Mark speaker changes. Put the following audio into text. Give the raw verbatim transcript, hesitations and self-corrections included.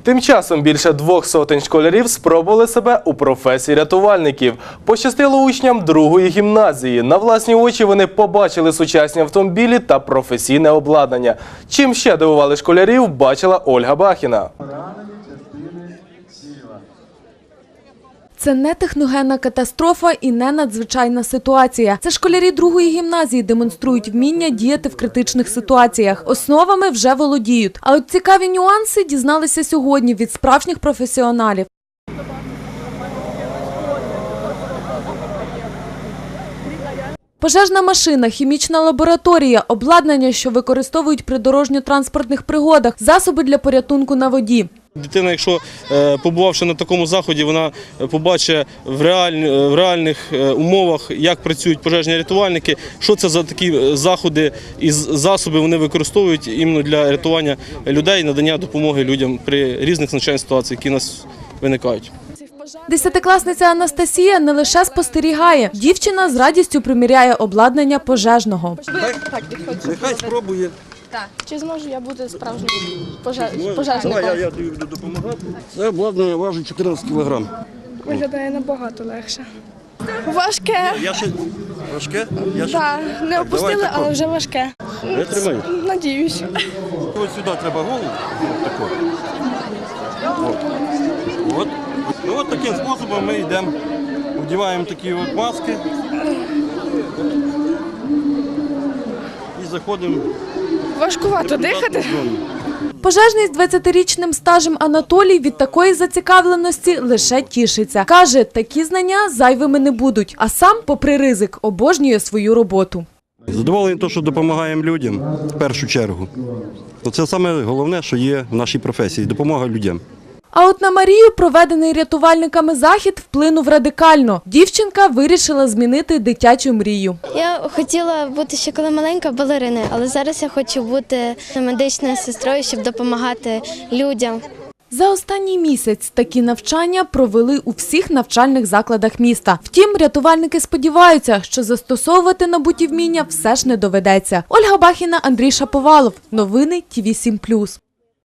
Speaker 1: Тим часом більше двох сотень школярів спробували себе у професії рятувальників. Пощастило учням другої гімназії. На власні очі вони побачили сучасні автомобілі та професійне обладнання. Чим ще дивували школярів, бачила Ольга Бахіна.
Speaker 2: Це не техногенна катастрофа і не надзвичайна ситуація. Це школярі другої гімназії демонструють вміння діяти в критичних ситуаціях. Основами вже володіють. А от цікаві нюанси дізналися сьогодні від справжніх професіоналів. Пожежна машина, хімічна лабораторія, обладнання, що використовують при дорожньо-транспортних пригодах, засоби для порятунку на воді.
Speaker 3: Дитина, якщо побувавши на такому заході, вона побачить в, реаль... в реальних умовах, як працюють пожежні рятувальники, що це за такі заходи і засоби вони використовують іменно для рятування людей, надання допомоги людям при різних надзвичайних ситуаціях, які у нас виникають.
Speaker 2: Десятикласниця Анастасія не лише спостерігає. Дівчина з радістю приміряє обладнання пожежного.
Speaker 4: Нехай спробує.
Speaker 5: Так. Чи зможу я бути справжнім пожеж... пожежником?
Speaker 4: Давай, я, я тобі буду допомагати. Це обладнання важить чотирнадцять кілограм.
Speaker 5: Виглядає набагато легше. Важке.
Speaker 4: Я ще... Важке? Я ще...
Speaker 5: Так, не опустили,
Speaker 4: Давай,
Speaker 5: але вже важке.
Speaker 4: Я тримаю.
Speaker 5: Надіюсь.
Speaker 4: Ось сюди треба голову. Тако. От. От. Ну, от таким способом ми йдемо, вдіваємо такі от маски і заходимо.
Speaker 5: Важкувато дихати.
Speaker 2: Пожежний з двадцятирічним стажем Анатолій від такої зацікавленості лише тішиться. Каже, такі знання зайвими не будуть, а сам, попри ризик, обожнює свою роботу.
Speaker 4: Задоволений те, що допомагаємо людям в першу чергу. Це саме головне, що є в нашій професії – допомога людям.
Speaker 2: А от на Марію проведений рятувальниками захід вплинув радикально. Дівчинка вирішила змінити дитячу мрію.
Speaker 6: Я хотіла бути ще коли маленька балериною, але зараз я хочу бути медичною сестрою, щоб допомагати людям.
Speaker 2: За останній місяць такі навчання провели у всіх навчальних закладах міста. Втім, рятувальники сподіваються, що застосовувати набуті вміння все ж не доведеться. Ольга Бахіна, Андрій Шаповалов. Новини Ті Ві сім плюс.